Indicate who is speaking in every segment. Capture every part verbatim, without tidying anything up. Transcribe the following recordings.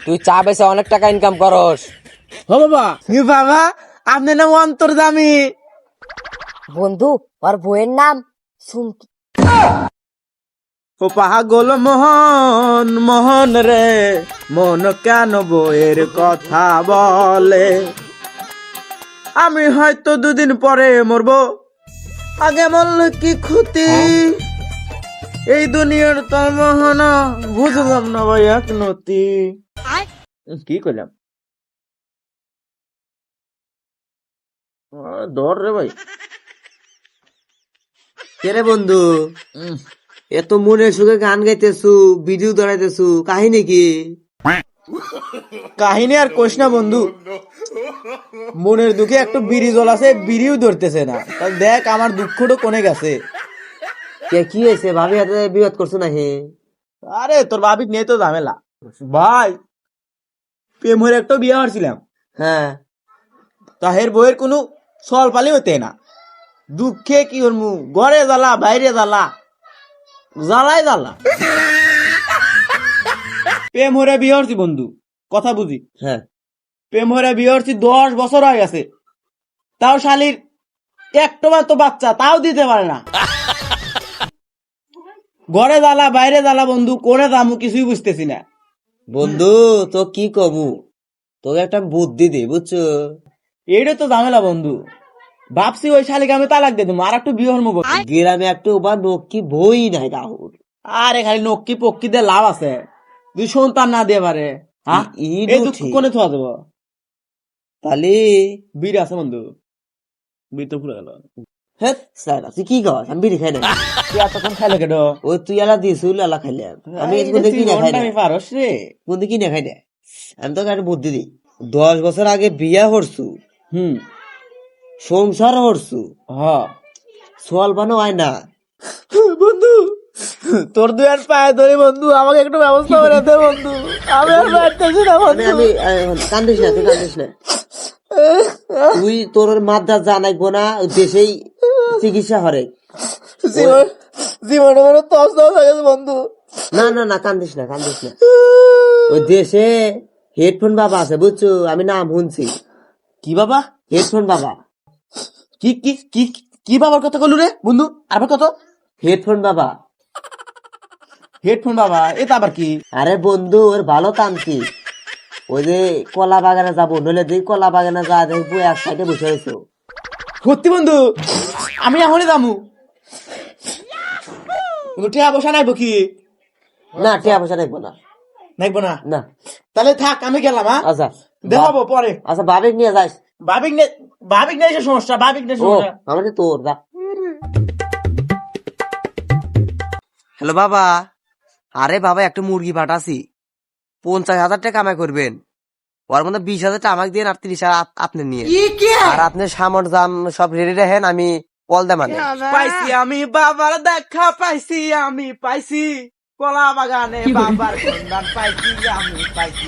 Speaker 1: তুই চা বেচে অনেক টাকা ইনকাম করস।
Speaker 2: ও বাবা ই বাবা আপনি না অন্তর্জামী।
Speaker 3: বন্ধু ওর বইয়ের নাম সুমকি।
Speaker 2: ও পাগল মোহন মোহন রে, মন কেন বইয়ের কথা বলে? আমি হয়তো দুদিন পরে মরবো, আগে মরলে কি ক্ষতি? এই দুনিয়ার তোর মোহনা বুঝলাম না ভাই এক নতি। কি করলাম দর রে ভাই।
Speaker 4: কেরে বন্ধু এত মনে সুখে গান গাইতেছু, ভিডিও ধরাইতেছু, কাহিনী কি?
Speaker 2: কাহিনী আর কোশ না বন্ধু, মনের দুঃখে একটু বিড়ি জল আছে, বিড়িও ধরতেছে না। তা দেখ আমার দুঃখটা কোনে গেছে।
Speaker 4: কে কি হয়েছে? ভাবি হাতে বিবাদ করছো না হে?
Speaker 2: আরে তোর ভাবি নিয়ে তো ঝামেলা ভাই। প্রেম হয়ে একটা বিয়ে হারছিলাম,
Speaker 4: হ্যাঁ
Speaker 2: তাহের বইয়ের কোনো সল পালি হতে না। দুঃখে কি ওর মু ঘরে জ্বালা বাইরে জ্বালা, জ্বালাই জ্বালা। প্রেম হরে বিয়ে হরছি বন্ধু, কথা বুঝি।
Speaker 4: হ্যাঁ
Speaker 2: প্রেম হরে বিয়ে হরছি দশ বছর হয়ে গেছে, তাও শালির একটা তো বাচ্চা তাও দিতে পারে না। ঘরে জ্বালা বাইরে জ্বালা বন্ধু, করে দামু কিছুই বুঝতেছি না।
Speaker 4: বন্ধু তো কি কমু, তোকে একটা বুদ্ধি দি বুঝছো?
Speaker 2: এইটা তো ঝামেলা বন্ধু। ভাবছি ওই শালিকে আমি তালাক দিয়ে দেবো, আর একটু বিয়ে হরমু।
Speaker 4: গ্রামে একটু বা নকি বই নাই রাহুল।
Speaker 2: আরে খালি নক্কি পক্ষি দিয়ে লাভ আছে, দুই সন্তান না দিয়ে পারে। হ্যাঁ
Speaker 4: ই-
Speaker 2: এই
Speaker 4: ইডু
Speaker 2: দুঃখ
Speaker 4: ঠিক।
Speaker 2: কোনে থোয়া দেবো?
Speaker 4: তাহলে
Speaker 2: বীর আছে বন্ধু, বীর তো পুরো গেল।
Speaker 4: হ্যাঁ স্যার তুই কি কর? আমি বিড়ি খাই না।
Speaker 2: তুই এতক্ষণ খাইলে কেন?
Speaker 4: ওই তুই এলা দিস এলা খাইলাম, আমি কোনদিন কিনে খাই না।
Speaker 2: আমি পারস রে।
Speaker 4: কোনদিন কিনে খাই না। আমি তোকে একটা বুদ্ধি দিই। দশ বছর আগে বিয়া হরছু,
Speaker 2: হুম
Speaker 4: সংসার হরছু,
Speaker 2: হ
Speaker 4: সোয়াল বানো হয় না।
Speaker 2: বন্ধু, তোর দুই আর পায়ে ধরে বন্ধু, আমাকে একটু ব্যবস্থা করে দে বন্ধু। আমি আর পারতেছি না
Speaker 4: আমি
Speaker 2: বন্ধু।
Speaker 4: আমি আহ, কান্দিস না, তুই কান্দিস না। তুই তোর মাদ্রা জানাইবো না, দেশেই চিকিৎসা হরে।
Speaker 2: জীবন জীবনে মানে তস তস হয়ে গেছে বন্ধু।
Speaker 4: না না না কান্দিস না, কান্দিস না। ওই দেশে হেডফোন বাবা আছে বুঝছো, আমি নাম শুনছি।
Speaker 2: কি বাবা?
Speaker 4: হেডফোন বাবা।
Speaker 2: কি কি কি কি বাবার কথা কলু রে বন্ধু? আবার কত?
Speaker 4: হেডফোন বাবা।
Speaker 2: হেডফোন বাবা, এটা আবার কি?
Speaker 4: আরে বন্ধু ওর ভালো তান্ত্রিক। ওই যে কলা বাগানে যাবো, নইলে তুই কলা বাগানে যা দেখবো এক সাইডে বসে হয়েছো।
Speaker 2: সত্যি বন্ধু, আমি এখনই যামু। টিয়া বসা নাইবো কি?
Speaker 4: না টিয়া পয়সা দেখবো না।
Speaker 2: নাইবো না?
Speaker 4: না
Speaker 2: তাহলে থাক, আমি গেলাম। হ্যাঁ
Speaker 4: আচ্ছা
Speaker 2: দেখাবো পরে।
Speaker 4: আচ্ছা বাবিক নিয়ে যাস।
Speaker 2: ভাবিক নে ভাবিক নেই সমস্যা, ভাবিক নেই
Speaker 4: ও
Speaker 2: সমস্যা।
Speaker 4: আমাদের তোর দা। হ্যালো বাবা। আরে বাবা একটা মুরগি পাঠাছি, পঞ্চাশ হাজার টাকা কামাই করবেন। ওর মধ্যে বিশ হাজার টাকা আমাকে দিন, আর ত্রিশ হাজার আপনি নিয়ে, আর আপনি সামর দাম সব রেডি রাখেন, আমি কল দে মানে।
Speaker 2: পাইছি আমি বাবার দেখা, পাইছি আমি পাইছি কলা বাগানে বাবার সন্ধান পাইছি আমি পাইছি।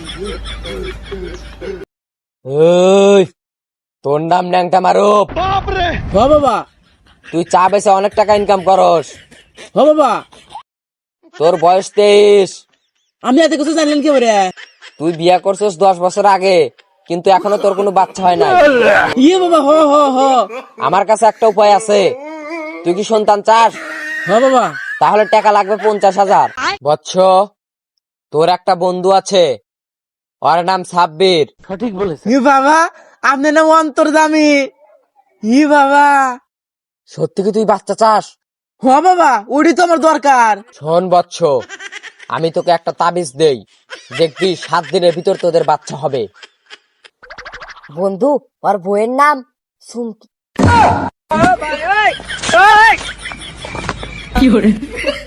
Speaker 1: ওই তোর নাম ন্যাংটা মারুপ।
Speaker 2: হ বাবা,
Speaker 1: তুই চা বেচে অনেক টাকা ইনকাম করস।
Speaker 2: হ বাবা।
Speaker 1: তোর বয়স তেইশ।
Speaker 2: আমি এত কিছু জানলেন কি করে?
Speaker 1: তুই বিয়ে করছিস দশ বছর আগে, কিন্তু এখনো তোর কোনো বাচ্চা হয় নাই।
Speaker 2: ইয়ে বাবা, হ হ হ
Speaker 1: আমার কাছে একটা উপায় আছে। তুই কি সন্তান চাস?
Speaker 2: হ বাবা।
Speaker 1: তাহলে টাকা লাগবে পঞ্চাশ হাজার। বৎস, তোর একটা বন্ধু আছে, ওর নাম সাব্বির।
Speaker 2: সঠিক বলেছে। ই বাবা আপনি না অন্তর্জামী। ই বাবা,
Speaker 1: সত্যি কি তুই বাচ্চা চাস?
Speaker 2: হ বাবা, ওইটি তো আমার দরকার।
Speaker 1: শোন বৎস, আমি তোকে একটা তাবিজ দেই, দেখবি সাত দিনের ভিতর তোদের বাচ্চা হবে।
Speaker 3: বন্ধু ওর বইয়ের নাম সুমকি।
Speaker 2: কি করে?